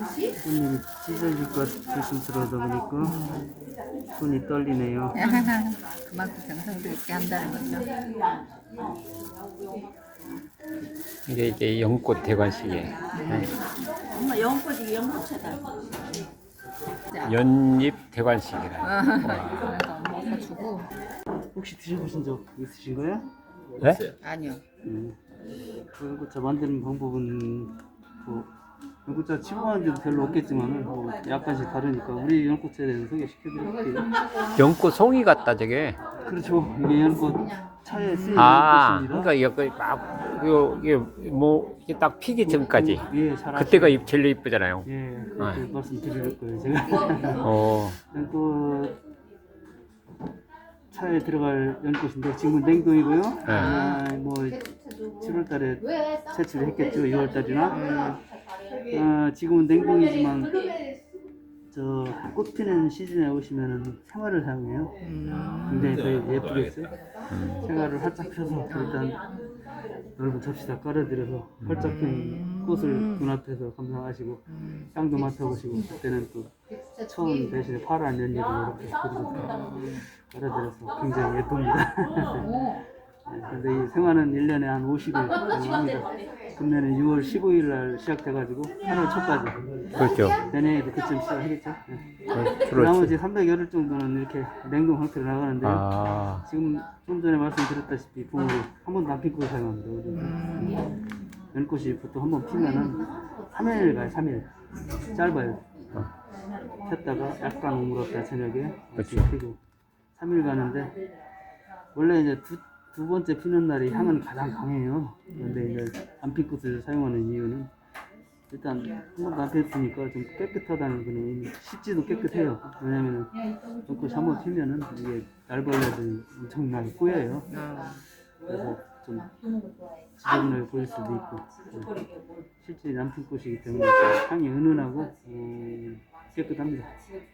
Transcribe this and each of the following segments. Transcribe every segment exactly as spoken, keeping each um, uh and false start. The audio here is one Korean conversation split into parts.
손님이 찢어질 것 조심스러워다 보니까 손이 떨리네요. 그만큼 정성도 있게 한다는 거죠. 이게 이제 연꽃 대관식이에요. 네. 엄마 연꽃이 연꽃차다. 연잎 대관식이라. 그래서 엄마가 주고. 혹시 드셔보신 적 있으신가요? 네? 아니요. 음. 그 연꽃차 만드는 방법은 뭐 연꽃차 치고하는 데도 별로 없겠지만 뭐 약간씩 다르니까 우리 연꽃차에 대해서 소개시켜드릴게요. 연꽃 송이 같다 저게. 그렇죠. 이게 연꽃 차에 쓰이는 아, 연꽃입니다. 그러니까 이거 막 이거 이게 뭐 이게 딱 피기 전까지. 예, 잘 그때가 아시죠? 입 제일 이쁘잖아요. 예, 그렇게 네. 말씀드릴 거예요 제가. 어, 연꽃 차에 들어갈 연꽃인데 지금은 냉동이고요. 아, 뭐 칠월달에 채취를 했겠죠. 유월달이나. 아, 지금은 냉동이지만 저 꽃 피는 시즌에 오시면은 생화를 사용해요. 굉장히 더 예쁘겠어요. 생화를 활짝 펴서 일단 넓은 접시다 깔아드려서 활짝 핀 꽃을 눈앞에서 감상하시고 향도 맡아보시고 그때는 또 처음 대신에 파란 연잎을 이렇게 그려서 깔아드려서 굉장히 예쁩니다. 네, 근데 이 생화는 일 년에 한 오십 일 가능합니다. 금년에 유월 십오일 날 시작돼가지고 팔월 초까지. 그렇죠. 내년에도 그쯤 시작하겠죠. 네. 그렇지. 나머지 삼백여 일 정도는 이렇게 냉동 상태로 나가는데요. 아, 지금 좀 전에 말씀드렸다시피 붕어를 한 번도 안 피고 사용합니다. 우리. 연꽃이 보통 한 번 피면은 삼 일 가요, 삼 일. 짧아요. 폈다가 약간 오물었다 저녁에 다시 그렇죠. 피고 삼 일 가는데 원래 이제 두, 두 번째 피는 날이 향은 가장 강해요. 그런데 이제 안 핀 꽃을 사용하는 이유는 일단 한 번도 안 폈으니까 좀 깨끗하다는 그런 의미. 씻지도 깨끗해요. 왜냐면은 연꽃이 한 번 피면은 이게 날벌레들이 엄청나게 꼬여요. 그래서 좀 지저분하게 보일 수도 있고 실제 안 핀 꽃이기 때문에 향이 은은하고 음, 깨끗합니다.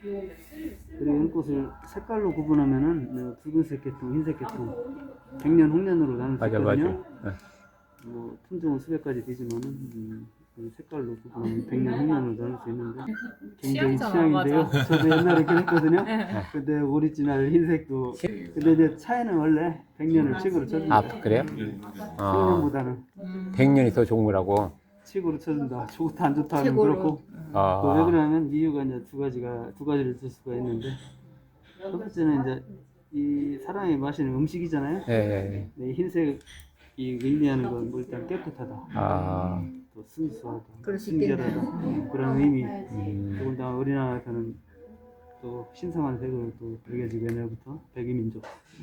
그리고 연꽃을 색깔로 구분하면은 붉은색 계통, 흰색 계통, 백년, 홍년으로 나눌 수 맞아, 맞아. 있거든요. 네. 뭐 품종은 수백 가지 되지만은 음, 그 색깔로 구분하면 백년, 홍년으로 나눌 수 있는데 굉장히 취향이잖아, 취향인데요. 저도 옛날에 그랬거든요. 근데 오리지널 흰색도 근데 이제 차에는 원래 백년을 칙으로 쳐준다. 아 그래요? 아, 홍년보다는 백년이 더 좋은 거라고. 칙으로 쳐준다. 좋다 안 좋다 하면 칙으로. 그렇고 아, 그 왜 그러냐면 이유가 이제 두 가지가 두 가지를 들 수가 있는데 첫 번째는 이제 이 사람이 마시는 음식이잖아요. 예, 예. 네, 흰색이 의미하는 건 뭐 일단 깨끗하다, 아, 또 순수하다, 그럴 수 순결하다 그런 의미. 음, 더군다나 우리나라에서는 또 신성한 색으로 또 여겨지고 옛날부터 백이민족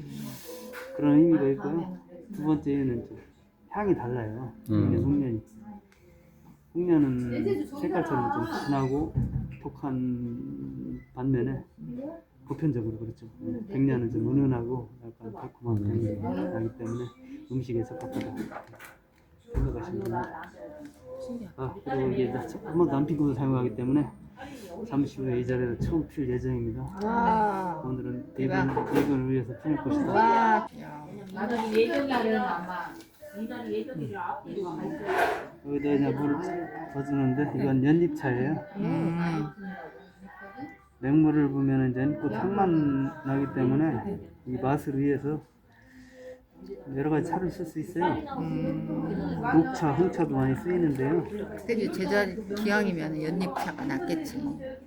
그런 의미가 있고요. 두 번째는 좀 향이 달라요. 음. 홍년이 홍년은 색깔처럼 좀 진하고 독한 반면에 보편적으로 그렇죠. 백년은 좀 은은하고 약간 달콤한 향이 나기 때문에 음식에 적합하다 생각하시면 됩니다. 아, 그리고 이게 한 번도 안 피고 사용하기 때문에 잠시 후에 이 자리에서 처음 필 예정입니다. 와. 오늘은 대근, 대근을 위해서 피울 것이다. 와. 나도 예정일은 아마 이날 예정일을 앞뒤로 여기다 이제 물을 더 주는데 이건 연잎차예요. 음. 맹물을 부으면 이제 연꽃 향만 나기 때문에 이 맛을 위해서 여러 가지 차를 쓸 수 있어요. 녹차, 홍차도 많이 쓰이는데요. 그때 제자리 기왕이면 연잎차가 낫겠지.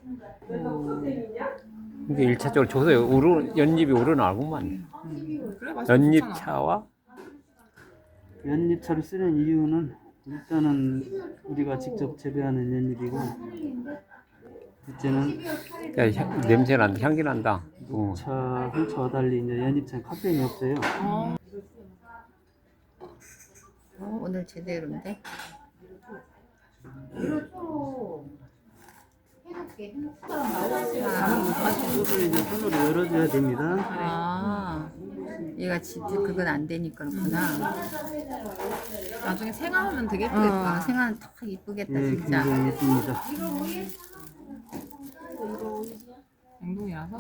이게 일차적으로 저기서 우르 연잎이 우러나구만. 연잎 차와 연잎차를 쓰는 이유는 일단은 우리가 직접 재배하는 연잎이고 둘째는 야, 향- 냄새 난다, 향기 난다. 어. 차, 홍차와 달리 이제 연잎차는 카페인이 없어요. 어, 오늘 제대로인데. 꽃을 이제 손으로 열어줘야 됩니다. 아, 얘가 진짜 그건 안 되니까 그렇구나. 나중에 생화하면 되게 어, 예쁘겠다. 생활 딱 이쁘겠다 예, 진짜. 굉장히 예쁩니다. 냉동이라서.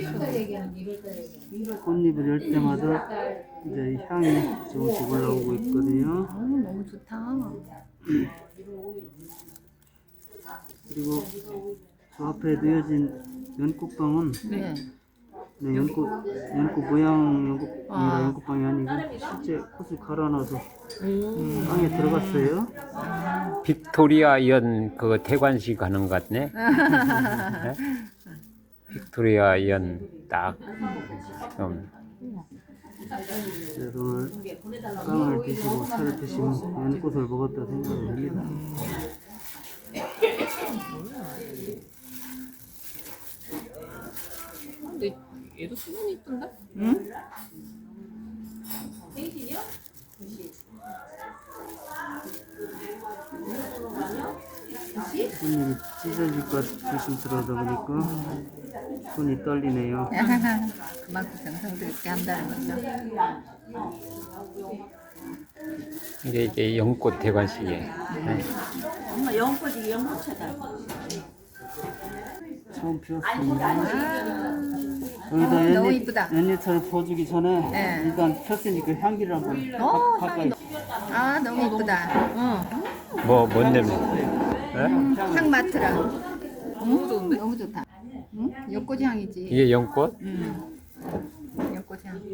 꽃잎을 열 때마다 이제 향이 조금씩 올라오고 있거든요. 어, 너무 좋다. 그리고 저 앞에 놓여진 연꽃빵은 네. 네, 연꽃 연꽃 모양 연꽃 아. 연꽃빵이 아니고 실제 꽃을 갈아놔서 빵에 들어갔어요. 빅토리아 연 그 대관식 하는 것 같네. 네? 빅토리아 연딱 좀. 그래서 오늘 빵을 드시고 차를 드시면 연꽃을 먹었다 생각을 합니다. 근데 얘도 수분이 이쁜데? 응? 손이 찢어질까 조심스러워다 보니까 손이 떨리네요. 그만큼 정성스럽게 한다는 거죠. 이게 이게 연꽃 대관식이에요. 네. 엄마 연꽃이 연꽃차다. 처음 피웠습니다. 너무 여기다 연잎, 이쁘다. 연잎차를 부어주기 전에 네. 일단 폈으니까 향기를 한번 어, 가, 가까이 아 너무 이쁘다. 응. 뭐뭔 냄새? 네? 향 맡으라. 너무 좋은데? 너무 좋다. 응? 연꽃 향이지. 이게 연꽃? 응. 연꽃 향.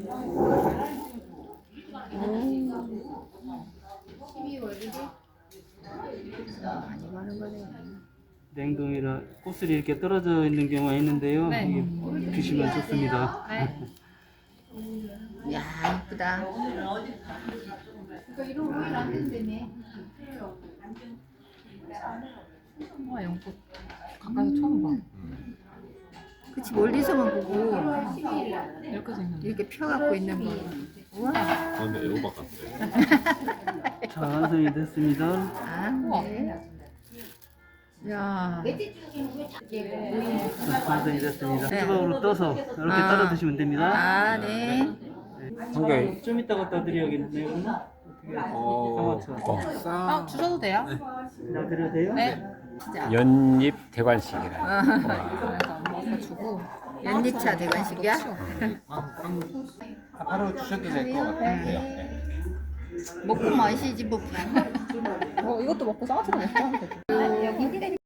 많이 바른 거네. 냉동이라 꽃술이 이렇게 떨어져 있는 경우가 있는데요. 네. 이게 드시면 좋습니다. 네. 야 이쁘다. 와 연꽃 가까이서 처음 봐. 그치 멀리서만 보고 이렇게 생겼네. 이렇게 펴갖고 있는 거. 우와. 자, 완성이 됐습니다. 아 네. 야. 자, 완성이 됐습니다. 네. 조각으로 떠서 이렇게 아. 따라 드시면 됩니다. 아 네. 이게 좀 이따 갖다 드려야겠네요. 어, 상어처럼. 아 주셔도 돼요? 나 드려도 돼요? 네. 진짜. 연잎 대관식이라. 그래서 엄마가 주고. 연잎차 대관식이야? 바로 주셔도 될 것 같아요. 네. 먹고 마시지 뭐. 어 이것도 먹고 싸가지고 먹고 하면 되죠. 여기